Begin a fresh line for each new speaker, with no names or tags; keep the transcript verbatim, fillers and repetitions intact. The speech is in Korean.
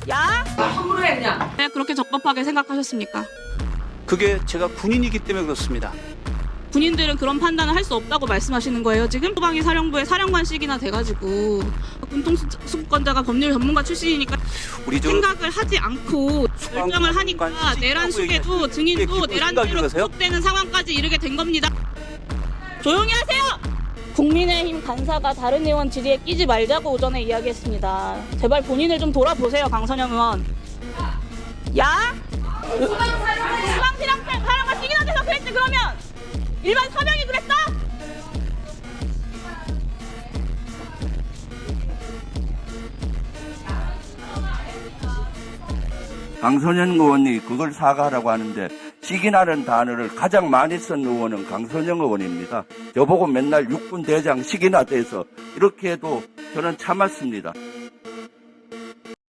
야?
함부로 했냐?
왜 그렇게 적법하게 생각하셨습니까?
그게 제가 군인이기 때문에 그렇습니다.
군인들은 그런 판단을 할 수 없다고 말씀하시는 거예요, 지금? 소방이 사령부의 사령관식이나 돼가지고 군통수권자가 법률 전문가 출신이니까
우리 저
생각을 하지 않고 결정을 하니까
수방관
내란 수계도
얘기하시는
증인도
기쁜
내란죄로
생각이 그러세요?
구속되는 상황까지 이르게 된 겁니다. 조용히 하세요! 국민의힘 간사가 다른 의원 질의에 끼지 말자고 오전에 이야기했습니다. 제발 본인을 좀 돌아보세요, 강선영 의원. 야? 수방사령관 사령관 시기나 돼서 그랬지 그러면? 일반 서명이 그랬어?
강선영 의원이 그걸 사과하라고 하는데 시기나는 단어를 가장 많이 쓴 의원은 강선영 의원입니다. 저보고 맨날 육군 대장 시기나 돼서 이렇게 해도 저는 참았습니다.